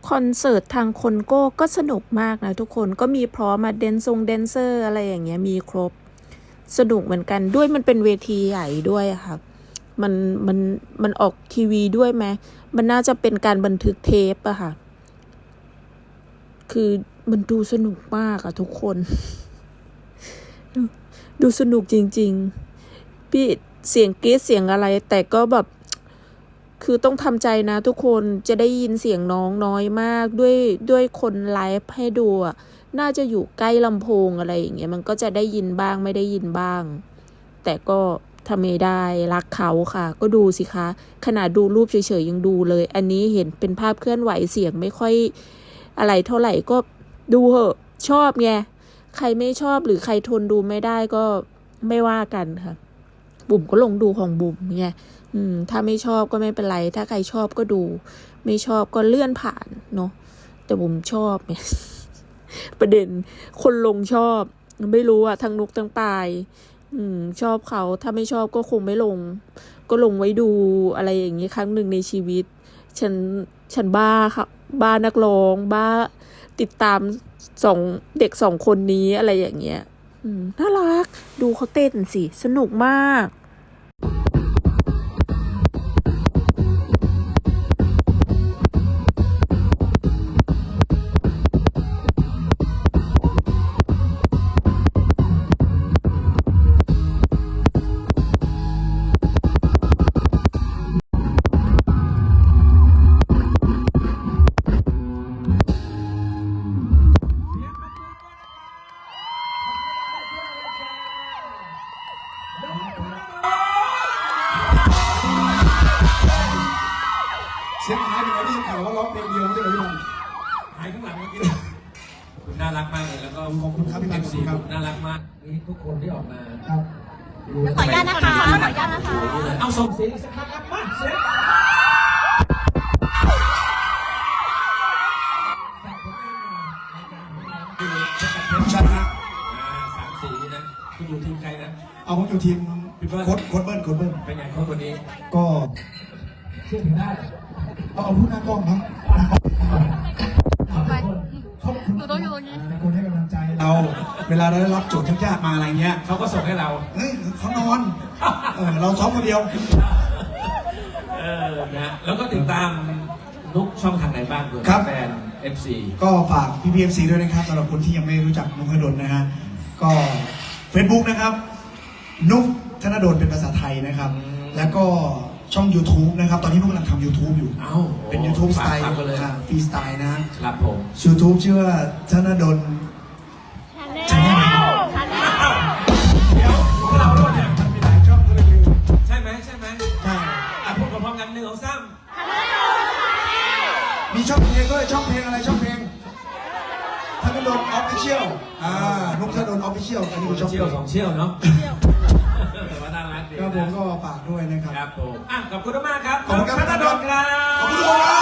คอนเสิร์ตทางคนโก้ก็สนุกมากนะทุกคนก็มีพร้อมมาแดนเซอร์อะไรอย่างเงี้ยมีครบสนุกเหมือนกันด้วยมันเป็นเวทีใหญ่ด้วยค่ะมันออกทีวีด้วยไหมมันน่าจะเป็นการบันทึกเทปอะค่ะคือมันดูสนุกมากอะทุกคนดูสนุกจริงๆพี่เสียงกรี๊ดเสียงอะไรแต่ก็แบบคือต้องทำใจนะทุกคนจะได้ยินเสียงน้องน้อยมากด้วยคนไลฟ์ให้ดูอ่ะน่าจะอยู่ใกล้ลำโพงอะไรอย่างเงี้ยมันก็จะได้ยินบ้างไม่ได้ยินบ้างแต่ก็ทำไม่ได้รักเขาค่ะก็ดูสิคะขนาดดูรูปเฉยๆยังดูเลยอันนี้เห็นเป็นภาพเคลื่อนไหวเสียงไม่ค่อยอะไรเท่าไหร่ก็ดูเหอะชอบไงใครไม่ชอบหรือใครทนดูไม่ได้ก็ไม่ว่ากันค่ะบุ๋มก็ลงดูของบุ๋มไงถ้าไม่ชอบก็ไม่เป็นไรถ้าใครชอบก็ดูไม่ชอบก็เลื่อนผ่านเนาะแต่บุ๋มชอบไง ประเด็นคนลงชอบไม่รู้อะทั้งนุกทั้งปายชอบเขาถ้าไม่ชอบก็คงไม่ลงก็ลงไว้ดูอะไรอย่างนี้ครั้งหนึ่งในชีวิตฉันบ้าค่ะบ้านักร้องบ้าติดตามเด็ก2คนนี้อะไรอย่างเงี้ยน่ารักดูเขาเต้นสิสนุกมากเสียงหายไปไหนที่ข่าวว่าร้องเพลงเดียวไม่ใช่เหรอพี่บอลหายข้างหลังเมื่อกี้คุณน่ารักมากเลยแล้วก็ขอบคุณครับพี่บอล FC น่ารักมากนี่ทุกคนที่ออกมาครับขออนุญาตนะคะขออนุญาตนะคะเอาส่งเสียงสักครั้งครับมาเสียงผู้ชายนะ 3 สีนะคุณอยู่ทีมใครนะเอาผมอยู่ทีมโค้ดเบิ้ลเป็นไงคนนี้ก็เชื่อถือได้เอาพูดหน้ากล้องครับหนูต้องอยู่ตรงนี้คนให้กำลังใจเราเวลาเราได้รับโจทย์ยากๆมาอะไรเงี้ยเขาก็ส่งให้เราเฮ้ยเขานอนเราซ้อมคนเดียวนะแล้วก็ติดตามนุกช่องทางไหนบ้างด้วยแฟน FC ก็ฝากพี่ FC ด้วยนะครับสำหรับคนที่ยังไม่รู้จักนุกธนดลนะฮะก็ Facebook นะครับนุกธนดลเป็นภาษาไทยนะครับแล้วก็ช่อง YouTube นะครับตอนนี้นุกกำลังทำ YouTube อยู่เป็น YouTube สไตล์ฟรีสไตล์นะครับผม YouTube ชื่อว่าธนดลชาแนลเดี๋ยวเราโดนเนี่ยมันมีหลายช่องก็เลยลืมใช่ไหมใช่พูดพร้อมกัน1 2 3 มีช่องเพลงด้วยช่องเพลงอะไรช่องเพลงธนดลออฟฟิเชียลนุกธนดลออฟฟิเชียลอันนี้คือช่องเพลง 2 เชี่ยวเนาะแต่ว่าน่ารักดีครับผมก็ฝากด้วยนะครับครับผมขอบคุณมากครับขอบคุณครับธนดลครับขอบคุณครับ